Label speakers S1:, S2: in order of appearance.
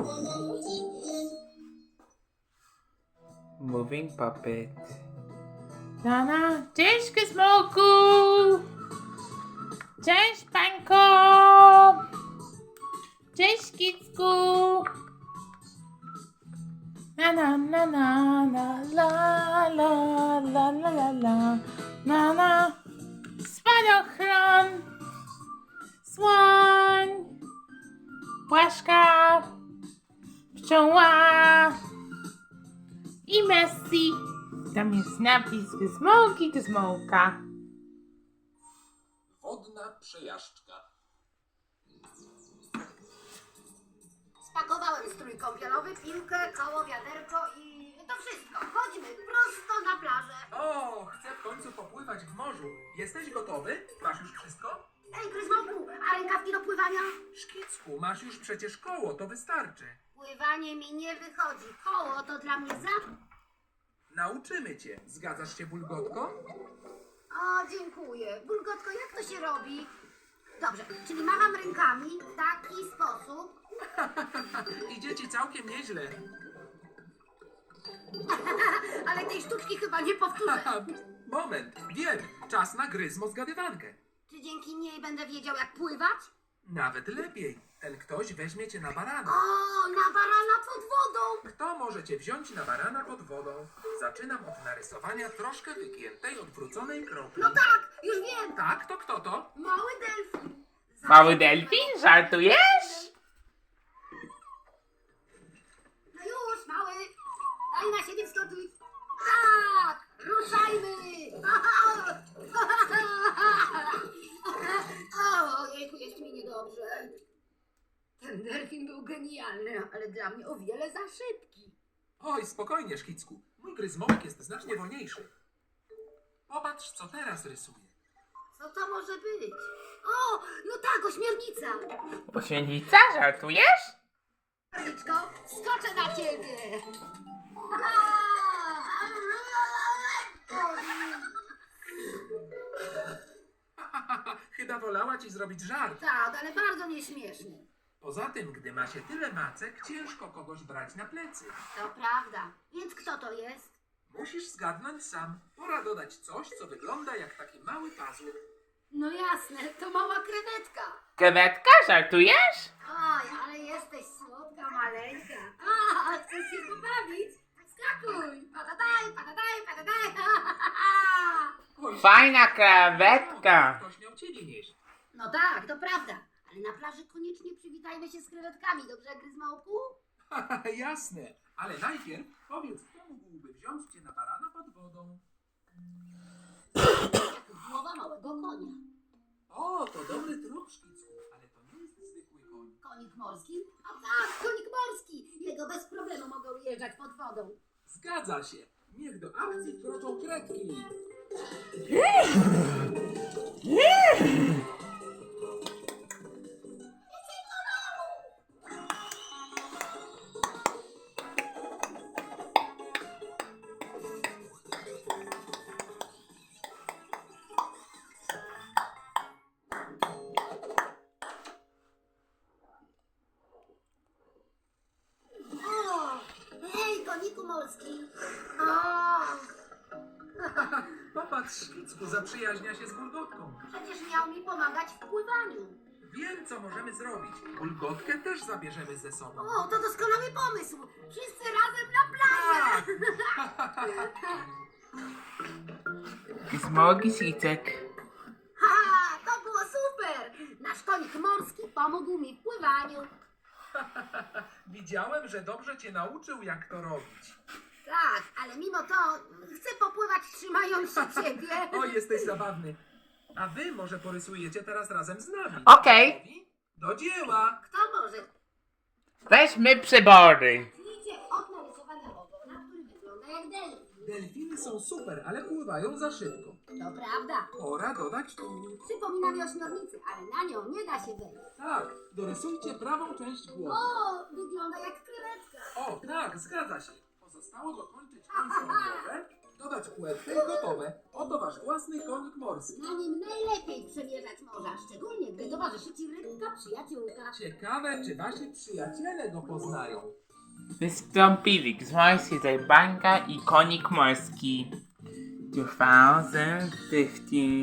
S1: Moving puppet.
S2: Nana, cześć Gizmoku! Cześć Pańko! Cześć Kicku! Na na na na na la la la la la la na spadochron, słoń, płaszka, pszczoła i Messi. Tam jest napis Gizmołki, Gizmołka.
S3: Wodna przejażdżka.
S4: Spakowałem strój kąpielowy, piłkę, koło, wiaderko i to wszystko. Chodźmy prosto na plażę.
S3: O, chcę w końcu popływać w morzu. Jesteś gotowy? Masz już wszystko?
S4: Ej, Gryzmołku, a rękawki do pływania?
S3: Szkicku, masz już przecież koło, to wystarczy.
S4: Pływanie mi nie wychodzi. Koło to dla mnie za...
S3: Nauczymy cię. Zgadzasz się, Bulgotko?
S4: O, dziękuję. Bulgotko, jak to się robi? Dobrze, czyli macham rękami w taki sposób.
S3: Idzie ci całkiem nieźle.
S4: Ale tej sztuczki chyba nie powtórzę.
S3: Moment, wiem. Czas na gryzmo zgadywankę.
S4: Czy dzięki niej będę wiedział, jak pływać?
S3: Nawet lepiej. Ten ktoś weźmie cię na barana.
S4: O, na barana pod wodą.
S3: Kto może cię wziąć na barana pod wodą? Zaczynam od narysowania troszkę wygiętej, odwróconej kropli.
S4: No tak, już wiem.
S3: Tak, to kto to?
S4: Mały delfin.
S2: Mały delfin, żartujesz?
S4: No już, mały. Daj na siebie wskoczyć. Tak, ruszajmy. Ojejku, jest mi niedobrze. Ten delfin był genialny, ale dla mnie o wiele za szybki.
S3: Oj, spokojnie, Szkicku. Mój gryzmołek jest znacznie wolniejszy. Popatrz, co teraz rysuję.
S4: Co to może być? O, no tak, ośmiornica.
S2: Ośmiornica, żartujesz?
S4: Karliczko, skoczę na ciebie.
S3: Chyba wolała ci zrobić żart.
S4: Tak, ale bardzo nieśmieszny.
S3: Poza tym, gdy ma się tyle macek, ciężko kogoś brać na plecy.
S4: To prawda. Więc kto to jest?
S3: Musisz zgadnąć sam. Pora dodać coś, co wygląda jak taki mały pazur.
S4: No jasne, to mała krewetka.
S2: Krewetka, żartujesz?
S4: Oj, ale jesteś słodka, maleńka. A, chcesz się pobawić? Skakuj! Patadaj, patadaj, patadaj!
S3: Oj,
S2: Fajna krewetka.
S3: ktoś miał ciebie nieść.
S4: No tak, to prawda. Ale na plaży koniecznie przywitajmy się z krewetkami, dobrze, Gryzmołku?
S3: Jasne, ale najpierw powiedz, kto mógłby wziąć cię na barana pod wodą.
S4: Jak głowa małego konia.
S3: O, to dobry trup, Szkicku, ale to nie jest zwykły koń.
S4: Konik morski? A tak, konik morski! Jego bez problemu mogą ujeżdżać pod wodą.
S3: Zgadza się. Niech do akcji wkroczą kredki.
S4: O, hej, koniku morski! O,
S3: Popatrz, Szkicku, zaprzyjaźnia się z Bulgotką.
S4: przecież miał mi pomagać w pływaniu.
S3: Wiem, co możemy zrobić. Bulgotkę też zabierzemy ze sobą.
S4: O, to doskonały pomysł! Wszyscy razem na plażę!
S2: Gizmo, Gizicek.
S4: Ha, to było super! Nasz konik morski pomógł mi w pływaniu.
S3: Widziałem, że dobrze cię nauczył, jak to robić.
S4: Tak, ale mimo to chcę popływać trzymając się ciebie.
S3: O, jesteś zabawny. A wy może porysujecie teraz razem z nami.
S2: Okej.
S3: Gotowi? Do dzieła!
S4: Kto może?
S2: Weźmy przybory.
S4: Zacznijcie od narysowania ogona, który wygląda jak delfin.
S3: Delfiny są super, ale pływają za szybko.
S4: To prawda.
S3: Pora dodać tu.
S4: Przypomina mi ośmiornicę, ale na nią nie da się wejść.
S3: Tak, dorysujcie prawą część głowy.
S4: O, wygląda jak krewetka.
S3: O, tak, zgadza się. Pozostało dokończyć końcową głowę Dodać płetwę i gotowe. Oto wasz własny konik morski.
S4: Na nim najlepiej przemierzać morza, szczególnie gdy towarzyszy ci rybka przyjaciółka.
S3: Ciekawe, czy wasi przyjaciele go poznają.
S2: Wystąpili Grzmojski Zajbanka i Konik Morski 2015.